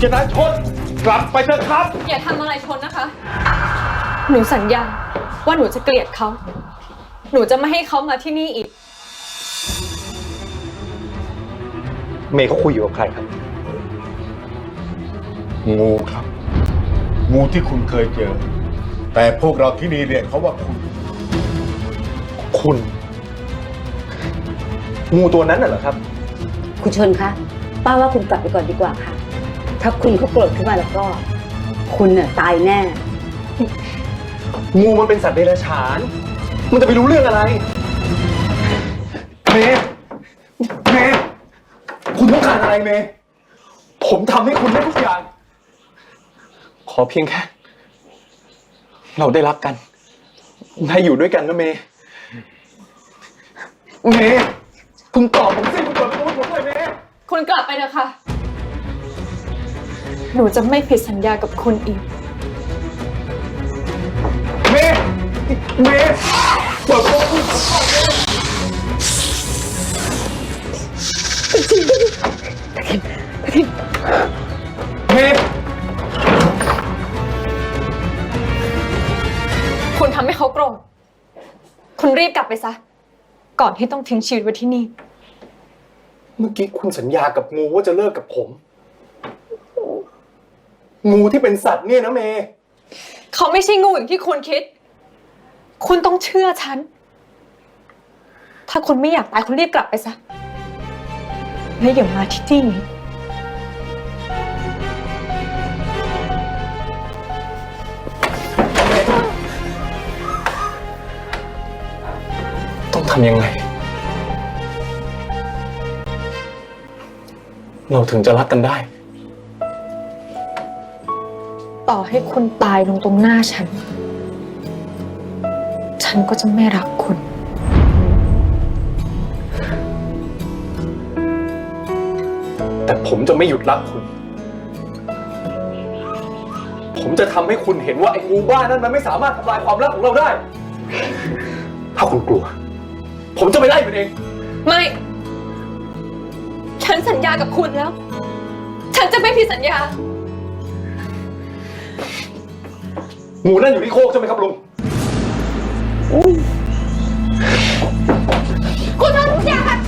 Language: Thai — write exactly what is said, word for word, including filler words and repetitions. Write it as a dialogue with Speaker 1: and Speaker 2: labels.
Speaker 1: ชนะชนกลับไปเถอะครับ
Speaker 2: อย่าทำอะไรชนนะคะ หนูสัญญาว่าหนูจะเกลียดเขาหนูจะไม่ให้เขามาที่นี่อีก
Speaker 1: เมย์เขาคุยอยู่กับใครครับงูครับงูที่คุณเคยเจอแต่พวกเราที่นี่เรียกเขาว่าคุณคุณงูตัวนั้นน่ะเหรอครับ
Speaker 3: คุณชนคะป้าว่าคุณกลับไปก่อนดีกว่าค่ะถ้าคุณเขาโกรธขึ้นมาแล้วก็คุณน่ะตายแน่
Speaker 1: งูมันเป็นสัตว์เดรัจฉานมันจะไปรู้เรื่องอะไรเมย์เมย์คุณต้องการอะไรเมย์ผมทำให้คุณได้ทุกอย่างขอเพียงแค่เราได้รักกันได้อยู่ด้วยกันนะเมย์เมย์คุณตอบผมสิคุณเปิดประตูให้ผมหน่อยเมย์
Speaker 2: คุณกลับไปเถอะค่ะหนูจะไม่ผิดสัญญากับคุณอีก
Speaker 1: เมย์เมย์เปิดประตูให้ผมก่อนเมย์เมย์
Speaker 2: คุณทำให้เขาโกรธคุณรีบกลับไปซะก่อนที่ต้องทิ้งชีวิตไว้ที่นี่
Speaker 1: เมื่อกี้คุณสัญญากับงูว่าจะเลิกกับผมงูที่เป็นสัตว์เนี่ยนะเมย์
Speaker 2: เขาไม่ใช่งูอย่างที่คุณคิดคุณต้องเชื่อฉันถ้าคุณไม่อยากตายคุณรีบกลับไปซะและอย่ามาที่นี่
Speaker 1: ต้องทำยังไงเราถึงจะรักกันได้
Speaker 2: ต่อให้คุณตายลงตรงหน้าฉันฉันก็จะไม่รักคุณ
Speaker 1: แต่ผมจะไม่หยุดรักคุณผมจะทำให้คุณเห็นว่าไอ้งูบ้านั้นมันไม่สามารถทำลายความรักของเราได้ถ้าคุณกลัวผมจะไปไล่มันเอง
Speaker 2: ไม่ฉันสัญญากับคุณแล้วฉันจะไม่ผิดสัญญา
Speaker 1: งูนั่นอยู่ที่โคกใช่ไหมครับลุง
Speaker 2: คุณทำทุกอย่างแบบ